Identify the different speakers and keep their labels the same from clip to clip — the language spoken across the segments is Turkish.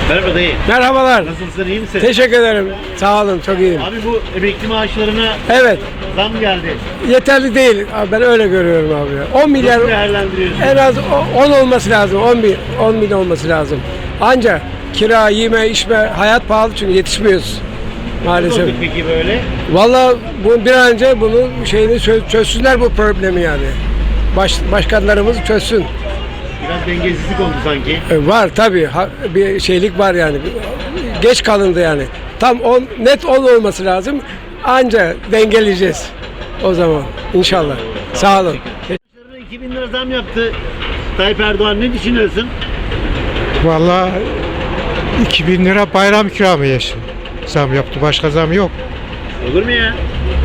Speaker 1: Merhaba dayı.
Speaker 2: Merhabalar.
Speaker 1: Nasılsın, iyi misin?
Speaker 2: Teşekkür ederim. Sağ olun, çok iyiyim.
Speaker 1: Abi bu emekli maaşlarına
Speaker 2: Evet,
Speaker 1: zam geldi.
Speaker 2: yeterli değil. Abi, ben öyle görüyorum abi. 10 milyar,
Speaker 1: Nasıl değerlendiriyorsun?
Speaker 2: en az 10 olması lazım. 10 bin olması lazım. Ancak kira, yeme, içme, hayat pahalı çünkü yetişmiyoruz
Speaker 1: Nasıl
Speaker 2: maalesef.
Speaker 1: olduk peki böyle?
Speaker 2: Vallahi bu bir an önce bunu çözsünler bu problemi yani. Başkanlarımız çözsün.
Speaker 1: Biraz dengesizlik oldu sanki.
Speaker 2: Var tabii. Bir şeylik var yani. Geç kalındı yani. Tam 10, net 10 olması lazım. Anca dengeleyeceğiz o zaman inşallah. Sağ olun.
Speaker 1: Maaşlarına 2000 lira zam yaptı Tayyip Erdoğan, ne düşünüyorsun?
Speaker 3: Vallahi 2000 lira bayram ikramiyesi zam yaptı. Başka zam yok.
Speaker 1: Olur mu ya?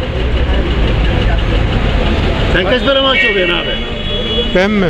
Speaker 1: Sen kaç para maaş alıyorsun abi?
Speaker 3: Ben mi?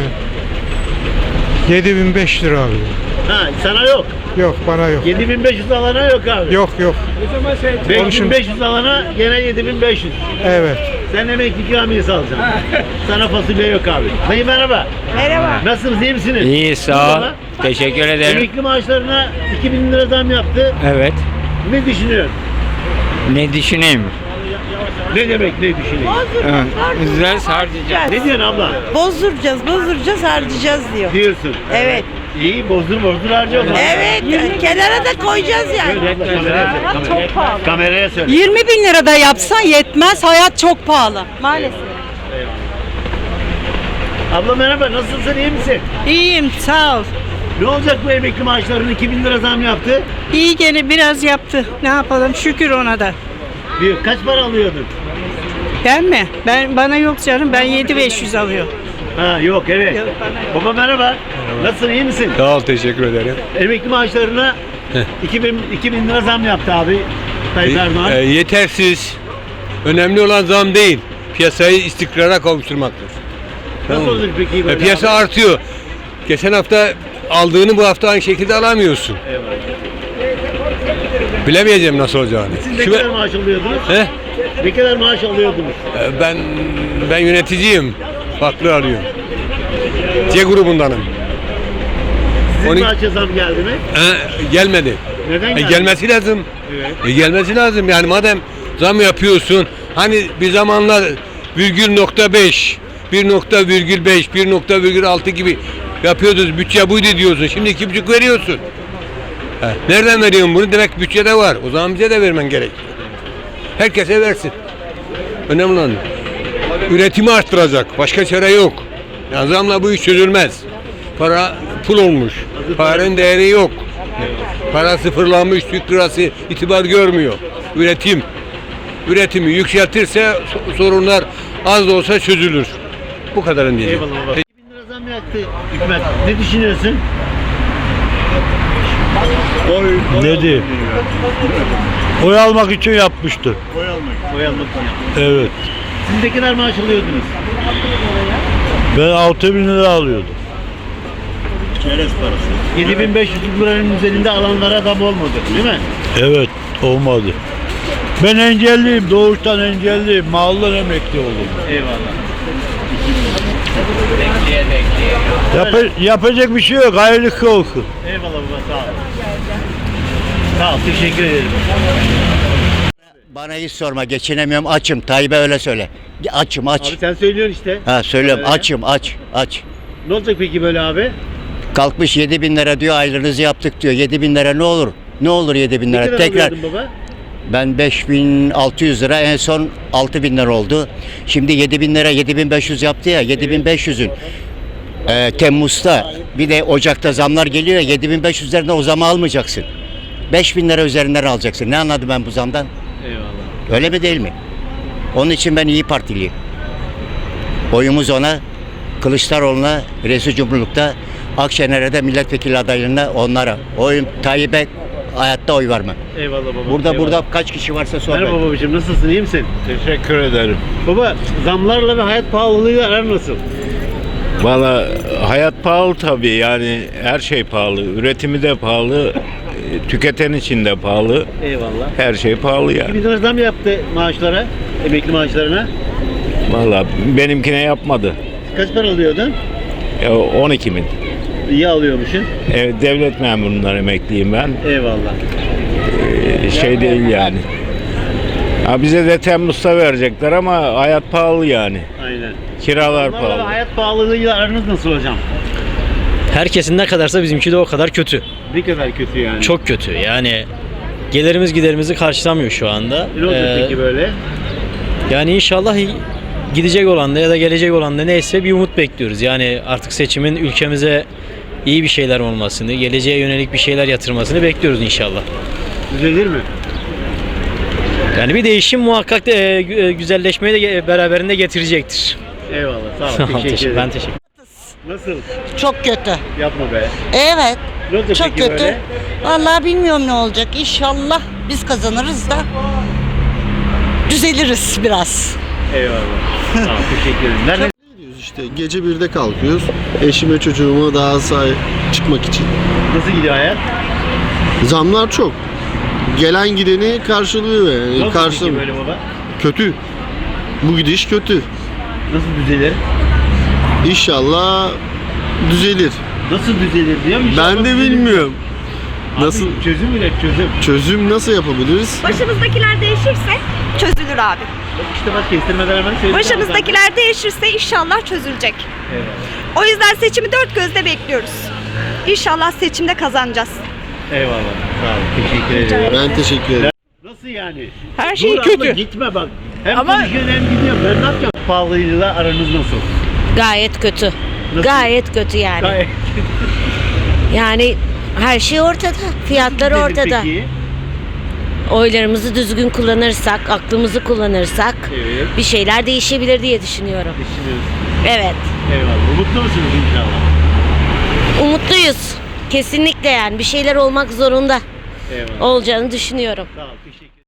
Speaker 3: 7500 lira alıyorum.
Speaker 1: Ha, sana yok.
Speaker 3: Yok, bana yok.
Speaker 1: 7500 alana yok abi.
Speaker 3: Yok yok.
Speaker 1: 5500 alana gene 7500.
Speaker 3: Evet.
Speaker 1: Sen emekli ikramiyesi alacaksın. Sana fasulye yok abi. Dayı merhaba.
Speaker 4: Merhaba.
Speaker 1: Nasılsınız, iyi misiniz?
Speaker 5: İyi, sağ ol.
Speaker 1: Merhaba.
Speaker 5: Teşekkür ederim.
Speaker 1: Emekli maaşlarına 2000 lira zam yaptı.
Speaker 5: Evet.
Speaker 1: Ne düşünüyorsun?
Speaker 5: Ne düşüneyim?
Speaker 1: Ne demek ne düşünüyorsun?
Speaker 5: Güzel harcayacağız.
Speaker 1: Ne diyorsun abla?
Speaker 4: Bozduracağız, harcayacağız diyor.
Speaker 1: Diyorsun.
Speaker 4: Evet.
Speaker 1: İyi, bozdur harca o zaman.
Speaker 4: Evet, kenara da koyacağız yani.
Speaker 1: Söyle abla, kameraya söyle.
Speaker 4: Çok pahalı.
Speaker 1: Kameraya söyle.
Speaker 6: 20 bin lira da yapsan yetmez. Hayat çok pahalı.
Speaker 4: Maalesef.
Speaker 1: Abla merhaba, nasılsın, iyi misin?
Speaker 6: İyiyim, sağ ol.
Speaker 1: Ne olacak bu emekli maaşlarına 2000 lira zam yaptı?
Speaker 6: İyi gene biraz yaptı. Ne yapalım? Şükür ona da.
Speaker 1: Diyor, kaç para alıyordun?
Speaker 6: Ben mi? Bana yok canım. Ben 7500 alıyorum.
Speaker 1: Ha yok, evet.
Speaker 6: Yok, bana yok.
Speaker 1: Baba merhaba. Nasılsın, iyi misin?
Speaker 7: Sağ ol, teşekkür ederim.
Speaker 1: Emekli maaşlarına 2000 lira zam yaptı abi Tayyip Erdoğan.
Speaker 7: Yetersiz. Önemli olan zam değil. Piyasayı istikrara kavuşturmaktır.
Speaker 1: Nasıl olacak peki böyle?
Speaker 7: Piyasa
Speaker 1: abi?
Speaker 7: artıyor. Geçen hafta aldığını bu hafta aynı şekilde alamıyorsun.
Speaker 1: Eyvallah.
Speaker 7: Bilemeyeceğim nasıl olacağını.
Speaker 1: Siz ne
Speaker 7: Şu-
Speaker 1: kadar maaş alıyordunuz?
Speaker 7: He?
Speaker 1: Ne kadar maaş alıyordunuz?
Speaker 7: Ben yöneticiyim. Farklı alıyorum. C grubundanım.
Speaker 1: Sizin
Speaker 7: Onu-
Speaker 1: maaşa zam geldi mi?
Speaker 7: Gelmedi.
Speaker 1: Neden geldi?
Speaker 7: Gelmesi lazım.
Speaker 1: Evet.
Speaker 7: Gelmesi lazım. Yani madem zam yapıyorsun, hani bir zamanlar virgül nokta 5, 1.5, 1.6 gibi yapıyordunuz. Bütçe buydu diyorsun. Şimdi 2,5 veriyorsun. Nereden veriyorsun bunu? Demek bütçede var. O zaman bize de vermen gerek. Herkese versin. Önemli olan üretimi arttıracak. Başka çare yok. Yani zamla bu iş çözülmez. Para pul olmuş. Paranın değeri yok. Para sıfırlanmış, Türk lirası itibar görmüyor. Üretimi yükseltirse sorunlar az da olsa çözülür. Bu kadarın diyeceğim.
Speaker 1: Eyvallah baba. 2000 lira zam yaptı hükümet. Ne düşünüyorsun?
Speaker 8: Ne diyeyim? Oy almak için yapmıştı.
Speaker 1: Oy almak için yaptı.
Speaker 8: Evet.
Speaker 1: Siz ne kadar maaş alıyordunuz?
Speaker 8: Ben 6000 lira alıyordum.
Speaker 1: Çerez parası. 7500 liranın üzerinde alanlara zam olmadı değil mi?
Speaker 8: Evet, olmadı. Ben engelliyim, doğuştan engelliyim. Mahallen emekli oldum.
Speaker 1: Eyvallah.
Speaker 8: Yapacak bir şey yok, hayırlı olsun.
Speaker 1: Eyvallah baba, sağ ol. Sağ ol, teşekkür ederim.
Speaker 9: Bana hiç sorma, geçinemiyorum, açım. Tayyip'e öyle söyle. Açım, aç.
Speaker 1: Abi sen söylüyorsun işte.
Speaker 9: Ha söylüyorum,
Speaker 1: Öyle.
Speaker 9: açım, aç.
Speaker 1: Ne olacak peki böyle abi?
Speaker 9: Kalkmış 7.000 lira diyor, aylığınızı yaptık diyor. 7.000 lira ne olur? Ne olur 7.000
Speaker 1: Ne
Speaker 9: lira?
Speaker 1: kadar
Speaker 9: Tekrar
Speaker 1: alıyordun baba?
Speaker 9: ben 5.600 lira, en son 6.000 lira oldu. Şimdi 7.000 lira, 7.500 yaptı ya, 7.500'ün. Temmuz'da bir de Ocak'ta zamlar geliyor ya, 7.500 üzerinden o zamı almayacaksın. 5.000 lira üzerinden alacaksın. Ne anladım ben bu zamdan?
Speaker 1: Eyvallah.
Speaker 9: Öyle mi değil mi? Onun için ben İyi Partiliyim. Oyumuz ona, Kılıçdaroğlu'na, Reis Cumhurluk'ta, Akşener'e de milletvekili adaylığına onlara. Oyum Tayyip'e hayatta oy vermem.
Speaker 1: Eyvallah baba.
Speaker 9: Burada
Speaker 1: eyvallah.
Speaker 9: kaç kişi varsa sor.
Speaker 1: Merhaba babacığım, nasılsın, iyi misin?
Speaker 8: Teşekkür ederim.
Speaker 1: Baba, zamlarla ve hayat pahalılığıyla aran nasıl?
Speaker 8: Valla hayat pahalı tabii, yani her şey pahalı. Üretimi de pahalı, tüketen için de pahalı.
Speaker 1: Eyvallah.
Speaker 8: Her şey pahalı yani.
Speaker 1: 2000 lira zam yaptı maaşlara, emekli maaşlarına.
Speaker 8: Valla benimkine yapmadı.
Speaker 1: Kaç para alıyordun?
Speaker 8: Ya 12.000.
Speaker 1: İyi alıyormuşsun.
Speaker 8: Evet, devlet memurundan emekliyim ben.
Speaker 1: Eyvallah.
Speaker 8: Şey değil yani. Ha, bize de Temmuz'da verecekler ama hayat pahalı yani.
Speaker 1: Aynen.
Speaker 8: Kiralar
Speaker 1: Onlarla
Speaker 8: pahalı.
Speaker 1: hayat pahalılığıyla aranız nasıl hocam?
Speaker 10: Herkesin ne kadarsa bizimki de o kadar kötü.
Speaker 1: Ne kadar kötü yani.
Speaker 10: Çok kötü. Yani gelirimiz giderimizi karşılamıyor şu anda.
Speaker 1: Ne olacak peki böyle?
Speaker 10: Yani inşallah gidecek olan da ya da gelecek olan da neyse bir umut bekliyoruz. Yani artık seçimin ülkemize iyi bir şeyler olmasını, geleceğe yönelik bir şeyler yatırmasını bekliyoruz inşallah.
Speaker 1: Düzelir mi?
Speaker 10: Yani bir değişim muhakkak güzelleşmeyi de beraberinde getirecektir.
Speaker 1: Eyvallah. Sağ ol. Teşekkür ederim.
Speaker 10: Ben teşekkür
Speaker 1: Nasıl?
Speaker 4: Çok kötü.
Speaker 1: Yapma be.
Speaker 4: Evet.
Speaker 1: Ne olacak
Speaker 4: Çok
Speaker 1: peki
Speaker 4: kötü.
Speaker 1: böyle?
Speaker 4: Vallahi bilmiyorum ne olacak. İnşallah biz kazanırız da düzeliriz biraz.
Speaker 1: Eyvallah. Sağ ol. Teşekkür ederim. Nerede?
Speaker 11: İşte gece 1'de kalkıyoruz. Eşime çocuğuma daha sahip çıkmak için.
Speaker 1: Nasıl gidiyor hayat?
Speaker 11: Zamlar çok. Gelen gideni karşılıyor yani.
Speaker 1: Nasıl peki böyle baba?
Speaker 11: Kötü. Bu gidiş kötü.
Speaker 1: Nasıl düzelir?
Speaker 11: İnşallah düzelir.
Speaker 1: Nasıl düzelir diyor mu? İnşallah
Speaker 11: Ben de
Speaker 1: düzelir.
Speaker 11: bilmiyorum.
Speaker 1: Abi,
Speaker 11: Nasıl
Speaker 1: çözüm üret çözüm.
Speaker 11: çözüm nasıl yapabiliriz?
Speaker 12: Başımızdakiler değişirse çözülür abi.
Speaker 1: İşte bak kestirmeden hemen söyledim.
Speaker 12: Başımızdakiler değişirse inşallah çözülecek.
Speaker 1: Eyvallah.
Speaker 12: O yüzden seçimi dört gözle bekliyoruz. İnşallah seçimde kazanacağız.
Speaker 1: Eyvallah. Sağ ol. Teşekkür ederim.
Speaker 11: Ben teşekkür ederim.
Speaker 1: Nasıl yani?
Speaker 6: Her şey
Speaker 1: Dur abla,
Speaker 6: kötü.
Speaker 1: gitme bak. Hem
Speaker 6: Ama-
Speaker 1: konuşuyorsun hem gidiyorsun. Ben ne yapacağım? Pahalılığıyla aranız nasıl?
Speaker 4: Gayet kötü.
Speaker 1: Nasıl?
Speaker 4: Gayet kötü yani.
Speaker 1: Gayet
Speaker 4: Yani her şey ortada. Fiyatlar
Speaker 1: Dedim
Speaker 4: ortada.
Speaker 1: Peki.
Speaker 4: Oylarımızı düzgün kullanırsak, aklımızı kullanırsak
Speaker 1: Evet.
Speaker 4: bir şeyler değişebilir diye düşünüyorum.
Speaker 1: Düşünüyoruz.
Speaker 4: Evet.
Speaker 1: Eyvallah. Umutlu musunuz inşallah?
Speaker 4: Umutluyuz. Kesinlikle yani bir şeyler olmak zorunda
Speaker 1: Eyvallah.
Speaker 4: olacağını düşünüyorum.
Speaker 1: Sağ ol. Teşekkür